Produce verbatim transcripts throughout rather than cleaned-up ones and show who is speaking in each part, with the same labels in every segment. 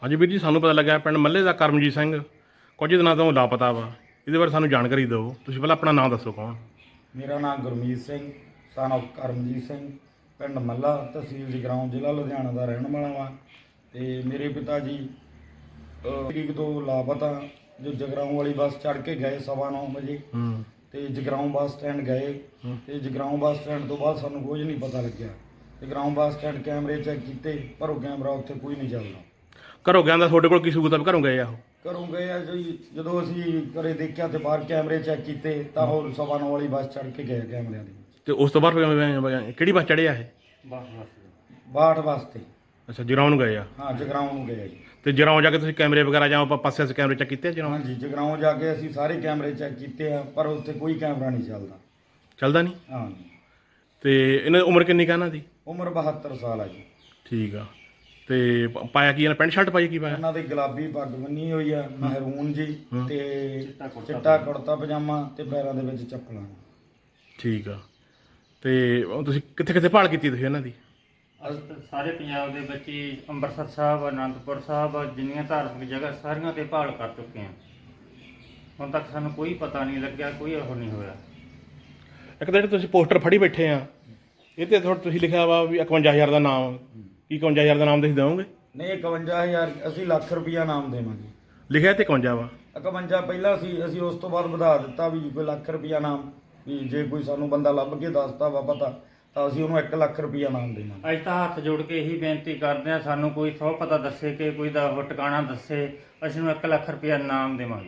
Speaker 1: ਹਾਂਜੀ ਵੀਰ ਜੀ, ਸਾਨੂੰ ਪਤਾ ਲੱਗਾ ਪਿੰਡ ਮੱਲੇ ਦਾ ਕਰਮਜੀਤ ਸਿੰਘ ਕੁਝ ਦਿਨਾਂ ਤੋਂ ਲਾਪਤਾ ਵਾ। ਇਹਦੇ ਬਾਰੇ ਸਾਨੂੰ ਜਾਣਕਾਰੀ ਦਿਓ। ਤੁਸੀਂ ਪਹਿਲਾਂ ਆਪਣਾ ਨਾਮ ਦੱਸੋ, ਕੌਣ?
Speaker 2: ਮੇਰਾ ਨਾਮ ਗੁਰਮੀਤ ਸਿੰਘ ਸਨ ਆਫ ਕਰਮਜੀਤ ਸਿੰਘ, ਪਿੰਡ ਮੱਲਾ, ਤਹਿਸੀਲ ਜਗਰਾਉਂ, ਜ਼ਿਲ੍ਹਾ ਲੁਧਿਆਣਾ ਦਾ ਰਹਿਣ ਵਾਲਾ ਵਾਂ। ਤੇ ਮੇਰੇ ਪਿਤਾ ਜੀ ਅਹ, ਤਰੀਕ ਤੋਂ ਲਾਪਤਾ। ਜੋ ਜਗਰਾਉਂ ਵਾਲੀ ਬੱਸ ਚੜ੍ਹ ਕੇ ਗਏ ਸਵਾ ਨੌ ਵਜੇ
Speaker 1: ਹੂੰ
Speaker 2: ਤੇ ਜਗਰਾਉਂ ਬੱਸ ਸਟੈਂਡ ਗਏ। ਤੇ ਜਗਰਾਉਂ ਬੱਸ ਸਟੈਂਡ ਤੋਂ ਬਾਅਦ ਸਾਨੂੰ ਕੁਝ ਨਹੀਂ ਪਤਾ ਲੱਗਿਆ। ਜਗਰਾਉਂ ਬੱਸ ਸਟੈਂਡ ਕੈਮਰੇ ਚੈੱਕ ਕੀਤੇ, ਪਰ ਉਹ ਕੈਮਰਾ ਉੱਥੇ ਕੋਈ ਨਹੀਂ ਚੱਲਦਾ।
Speaker 1: ਘਰੋਂ ਗਿਆ ਦਾ ਤੁਹਾਡੇ ਕੋਲ ਕੀ ਸਬੂਤ ਆ ਵੀ ਘਰੋਂ ਗਏ ਆ ਉਹ?
Speaker 2: ਘਰੋਂ ਗਏ ਆ ਜੀ। ਜਦੋਂ ਅਸੀਂ ਘਰੇ ਦੇਖਿਆ ਤੇ ਬਾਹਰ ਕੈਮਰੇ ਚੈੱਕ ਕੀਤੇ ਤਾਂ ਉਹ ਸਵਾ ਨੌ ਵਾਲੀ ਬੱਸ ਚੜ੍ਹ ਕੇ ਗਏ ਕੈਮਰਿਆਂ ਦੇ ਵਿੱਚ।
Speaker 1: ਤੇ ਉਸ ਤੋਂ ਬਾਅਦ ਫਿਰ ਕਿਹੜੀ ਬੱਸ ਚੜ੍ਹੇ ਆ ਇਹ?
Speaker 2: ਬਾਹਠ ਵਾਸਤੇ।
Speaker 1: ਅੱਛਾ, ਜਗਰਾਉਂ ਨੂੰ ਗਏ ਆ।
Speaker 2: ਹਾਂ, ਜਗਰਾਉਂ ਨੂੰ ਗਏ ਆ ਜੀ।
Speaker 1: ਤੇ ਜਗਰਾਉਂ ਜਾ ਕੇ ਤੁਸੀਂ ਕੈਮਰੇ ਵਗੈਰਾ ਜਾਂ ਆਪਾਂ ਪਾਸੇ ਸੇ ਕੈਮਰੇ ਚੈੱਕ ਕੀਤੇ ਜਗਰਾਉਂ?
Speaker 2: ਹਾਂਜੀ, ਜਗਰਾਉਂ ਜਾ ਕੇ ਅਸੀਂ ਸਾਰੇ ਕੈਮਰੇ ਚੈੱਕ ਕੀਤੇ ਆ, ਪਰ ਉੱਥੇ ਕੋਈ ਕੈਮਰਾ ਨਹੀਂ ਚੱਲਦਾ।
Speaker 1: ਚੱਲਦਾ ਨਹੀਂ?
Speaker 2: ਹਾਂ।
Speaker 1: ਤੇ ਇਹਨਾਂ ਦੀ ਉਮਰ ਕਿੰਨੀ ਕਹਿਣਾ ਦੀ?
Speaker 2: ਉਮਰ ਬਹੱਤਰ ਸਾਲ ਆ ਜੀ।
Speaker 1: ਠੀਕ ਆ। ਤੇ ਪ- ਪਾਇਆ ਕੀ ਇਹਨਾਂ, ਪੈਂਟ ਸ਼ਰਟ ਪਾਈ ਕੀ ਪਾਇਆ?
Speaker 2: ਉਹਨਾਂ ਦੇ ਗੁਲਾਬੀ ਪੱਗ ਬੰਨੀ ਹੋਈ ਆ, ਮਹਿਰੂਨ ਜੀ, ਤੇ ਚਿੱਟਾ ਕੁੜਤਾ ਪਜਾਮਾ ਤੇ ਪੈਰਾਂ ਦੇ ਵਿੱਚ ਚੱਪਲਾਂ।
Speaker 1: ਠੀਕ ਆ। ਤੇ ਉਹ ਤੁਸੀਂ ਕਿੱਥੇ ਕਿੱਥੇ ਭਾਲ ਕੀਤੀ ਤੁਸੀਂ ਇਹਨਾਂ ਦੀ?
Speaker 3: ਅਸੀਂ ਤਾਂ ਸਾਰੇ ਪੰਜਾਬ ਦੇ ਵਿੱਚ ਹੀ ਅੰਮ੍ਰਿਤਸਰ ਸਾਹਿਬ, ਅਨੰਦਪੁਰ ਸਾਹਿਬ, ਜਿੰਨੀਆਂ ਧਾਰਮਿਕ ਜਗ੍ਹਾ ਸਾਰੀਆਂ ਤੇ ਭਾਲ ਕਰ ਚੁੱਕੇ ਹਾਂ। ਹੁਣ ਤੱਕ ਸਾਨੂੰ ਕੋਈ ਪਤਾ ਨਹੀਂ ਲੱਗਿਆ, ਕੋਈ ਇਹੋ ਨਹੀਂ ਹੋਇਆ।
Speaker 1: ਇੱਕ ਤਾਂ ਜਿਹੜੇ ਤੁਸੀਂ ਪੋਸਟਰ ਫੜੀ ਬੈਠੇ ਆ, ਇਹ ਤੇ ਥੋੜਾ ਤੁਸੀਂ ਲਿਖਿਆ ਵਾ ਵੀ ਇਕਵੰਜਾ ਹਜ਼ਾਰ ਦਾ ਨਾਮ। ਕੀ ਇਕਵੰਜਾ ਹਜ਼ਾਰ ਦਾ ਨਾਮ ਤੁਸੀਂ ਦਿਓਗੇ?
Speaker 2: ਨਹੀਂ, ਇਕਵੰਜਾ ਹਜ਼ਾਰ ਅਸੀਂ ਲੱਖ ਰੁਪਈਆ ਨਾਮ ਦੇਵਾਂਗੇ।
Speaker 1: ਲਿਖਿਆ ਤੇ ਇਕਵੰਜਾ ਵਾ।
Speaker 2: ਇਕਵੰਜਾ ਪਹਿਲਾਂ ਸੀ, ਅਸੀਂ ਉਸ ਤੋਂ ਬਾਅਦ ਵਧਾ ਦਿੱਤਾ ਵੀ ਕੋਈ ਲੱਖ ਰੁਪਈਆ ਨਾਮ, ਵੀ ਜੇ ਕੋਈ ਸਾਨੂੰ ਬੰਦਾ ਲੱਭ ਕੇ ਦੱਸਦਾ ਵਾ ਪਤਾ ਤਾਂ ਅਸੀਂ ਉਹਨੂੰ ਇੱਕ ਲੱਖ ਰੁਪਈਆ ਨਾਮ ਦੇਵਾਂਗੇ।
Speaker 3: ਅੱਜ ਤਾਂ ਹੱਥ ਜੋੜ ਕੇ ਇਹੀ ਬੇਨਤੀ ਕਰਦੇ ਹਾਂ, ਸਾਨੂੰ ਕੋਈ ਸੌ ਪਤਾ ਦੱਸੇ ਕਿ ਕੋਈ ਦਾ ਉਹ ਟਿਕਾਣਾ ਦੱਸੇ, ਅਸੀਂ ਨੂੰ ਇੱਕ ਲੱਖ ਰੁਪਇਆ ਇਨਾਮ ਦੇਵਾਂਗੇ।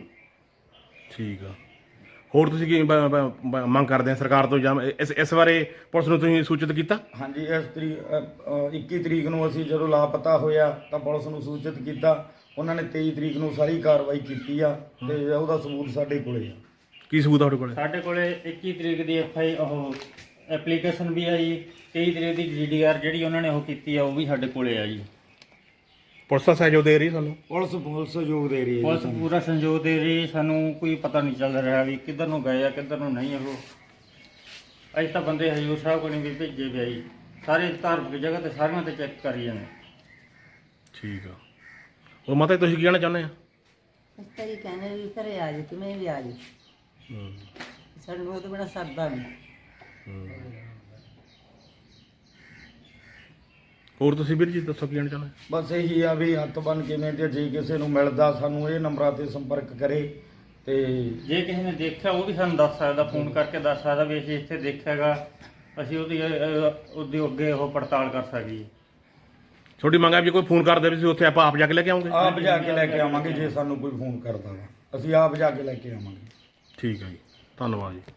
Speaker 1: ਠੀਕ ਆ। ਹੋਰ ਤੁਸੀਂ ਕੀ ਬ- ਬ- ਬ- ਮੰਗ ਕਰਦੇ ਆ ਸਰਕਾਰ ਤੋਂ, ਜਾਂ ਇਸ ਇਸ ਬਾਰੇ ਪੁਲਿਸ ਨੂੰ ਤੁਸੀਂ ਸੂਚਿਤ ਕੀਤਾ?
Speaker 2: ਹਾਂਜੀ, ਇਸ ਤਰੀਕ ਇੱਕੀ ਤਰੀਕ ਨੂੰ ਅਸੀਂ ਜਦੋਂ ਲਾਪਤਾ ਹੋਇਆ ਤਾਂ ਪੁਲਿਸ ਨੂੰ ਸੂਚਿਤ ਕੀਤਾ। ਉਹਨਾਂ ਨੇ ਤੇਈ ਤਰੀਕ ਨੂੰ ਸਾਰੀ ਕਾਰਵਾਈ ਕੀਤੀ ਆ ਤੇ ਉਹਦਾ ਸਬੂਤ ਸਾਡੇ ਕੋਲੇ ਆ।
Speaker 1: ਕੀ ਸਬੂਤ ਆ ਤੁਹਾਡੇ ਕੋਲ?
Speaker 3: ਸਾਡੇ ਕੋਲੇ ਇੱਕੀ ਤਰੀਕ ਦੀ ਐਫ ਆਈ ਉਹ ਐਪਲੀਕੇਸ਼ਨ ਵੀ ਆ ਜੀ। ਤੇਈ ਤਰੀਕ ਦੀ ਡੀ ਡੀ ਆਰ ਜਿਹੜੀ ਉਹਨਾਂ ਨੇ ਉਹ ਕੀਤੀ ਆ, ਉਹ ਵੀ ਸਾਡੇ ਕੋਲੇ ਆ ਜੀ।
Speaker 1: ਪੁਲਿਸ ਦਾ ਸਹਿਯੋਗ ਦੇ ਰਹੀ ਸਾਨੂੰ?
Speaker 2: ਪੁਲਿਸ ਪੁਲਿਸ ਸਹਿਯੋਗ ਦੇ ਰਹੀ ਹੈ
Speaker 3: ਪੁਲਿਸ
Speaker 2: ਜੀ ਸਾਨੂੰ।
Speaker 3: ਪੂਰਾ ਸੰਯੋਗ ਦੇ ਰਹੀ, ਸਾਨੂੰ ਕੋਈ ਪਤਾ ਨਹੀਂ ਚੱਲ ਰਿਹਾ ਵੀ ਕਿੱਧਰ ਨੂੰ ਗਏ ਆ ਕਿੱਧਰ ਨੂੰ ਨਹੀਂ। ਉਹ ਅੱਜ ਤਾਂ ਬੰਦੇ ਹਜੂਰ ਸਾਹਿਬ ਕੋਲ ਵੀ ਭੇਜੇ ਗਏ ਜੀ, ਸਾਰੇ ਧਾਰਮਿਕ ਜਗ੍ਹਾ ਤੇ ਸਾਰੀਆਂ ਤੇ ਚੈੱਕ ਕਰੀ ਜਾਂਦੇ।
Speaker 1: ਠੀਕ ਆ। ਉਹ ਮਾਤਾ ਜੀ ਤੁਸੀਂ ਕੀ ਕਹਿਣਾ ਚਾਹੁੰਦੇ ਆ?
Speaker 4: ਅਸੀਂ ਤਾਂ ਇਹ ਕਹਿੰਦੇ ਵੀ ਘਰੇ ਆ ਜੀ, ਕਿਵੇਂ ਵੀ ਆ ਜੀ,
Speaker 1: ਹੂੰ
Speaker 4: ਸਾਨੂੰ ਉਹਦੇ ਬੜਾ ਸਰਦਾ ਨਹੀਂ।
Speaker 1: ਹੋਰ ਤੁਸੀਂ ਵੀਰ ਜੀ ਦੱਸੋ ਕੀ ਕਹਿਣਾ ਚਾਹੁੰਦੇ?
Speaker 2: ਬਸ ਇਹੀ ਆ ਵੀ ਹੱਥ ਬੰਨ ਕਿਵੇਂ ਤੇ ਜੇ ਕਿਸੇ ਨੂੰ ਮਿਲਦਾ ਸਾਨੂੰ ਇਹ ਨੰਬਰਾਂ ਤੇ ਸੰਪਰਕ ਕਰੇ। ਤੇ
Speaker 3: ਜੇ ਕਿਸੇ ਨੇ ਦੇਖਿਆ ਉਹ ਵੀ ਸਾਨੂੰ ਦੱਸ ਸਕਦਾ, ਫੋਨ ਕਰਕੇ ਦੱਸ ਸਕਦਾ ਵੀ ਅਸੀਂ ਇੱਥੇ ਦੇਖਿਆਗਾ, ਅਸੀਂ ਉਹਦੀ ਅਹ, ਉਹਦੀ ਅੱਗੇ ਉਹ ਪੜਤਾਲ ਕਰ ਸਕੀਏ।
Speaker 1: ਛੋਟੀ ਮੰਗ ਆ ਵੀ ਜੇ ਕੋਈ ਫੋਨ ਕਰਦੇ ਵੀ ਤੁਸੀਂ ਉੱਥੇ ਆਪਾਂ ਆਪ ਜਾ ਕੇ ਲੈ ਕੇ ਆਉਂਗੇ?
Speaker 2: ਆਪ ਜਾ ਕੇ ਲੈ ਕੇ ਆਵਾਂਗੇ। ਜੇ ਸਾਨੂੰ ਕੋਈ ਫੋਨ ਕਰਦਾ ਵਾ ਅਸੀਂ ਆਪ ਜਾ ਕੇ ਲੈ ਕੇ ਆਵਾਂਗੇ।
Speaker 1: ਠੀਕ ਹੈ ਜੀ, ਧੰਨਵਾਦ ਜੀ।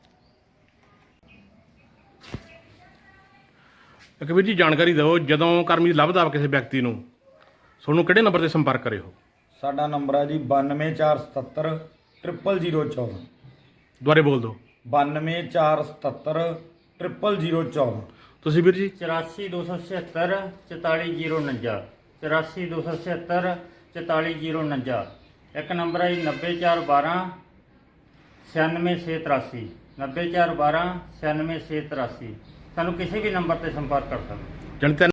Speaker 1: ਇੱਕ ਵੀਰ ਜੀ ਜਾਣਕਾਰੀ ਦਿਓ, ਜਦੋਂ ਕਰਮਜੀਤ ਲੱਭਦਾ ਵਾ ਕਿਸੇ ਵਿਅਕਤੀ ਨੂੰ, ਤੁਹਾਨੂੰ ਕਿਹੜੇ ਨੰਬਰ ਤੇ ਸੰਪਰਕ ਕਰੇ ਹੋ?
Speaker 2: ਸਾਡਾ ਨੰਬਰ ਆ ਜੀ ਬਾਨਵੇਂ ਚਾਰ ਸਤੱਤਰ ਟ੍ਰਿਪਲ ਜ਼ੀਰੋ ਚੌਦਾਂ।
Speaker 1: ਦੁਬਾਰੇ ਬੋਲ ਦਿਓ।
Speaker 2: ਬਾਨਵੇਂ ਚਾਰ ਸਤੱਤਰ ਟ੍ਰਿਪਲ ਜ਼ੀਰੋ ਚੌਦਾਂ।
Speaker 1: ਤੁਸੀਂ ਵੀਰ ਜੀ?
Speaker 3: ਚੁਰਾਸੀ ਦੋ ਸੌ ਛਿਹੱਤਰ ਚੁਤਾਲੀ ਜੀਰੋ ਉਣੰਜਾ। ਚੁਰਾਸੀ ਦੋ ਸੌ ਛਿਹੱਤਰ ਚੁਤਾਲੀ ਜੀਰੋ ਉਣੰਜਾ। ਇੱਕ ਨੰਬਰ ਹੈ ਜੀ ਨੱਬੇ ਚਾਰ ਬਾਰ੍ਹਾਂ ਛਿਆਨਵੇਂ ਛੇ ਤਰਾਸੀ। ਨੱਬੇ ਚਾਰ ਬਾਰ੍ਹਾਂ ਛਿਆਨਵੇਂ ਛੇ ਤਰਾਸੀ। ਸਾਨੂੰ ਕਿਸੇ ਵੀ ਨੰਬਰ ਤੇ ਸੰਪਰਕ ਕਰ ਸਕਦੇ।
Speaker 1: ਜਾਣੀ ਤਿੰਨ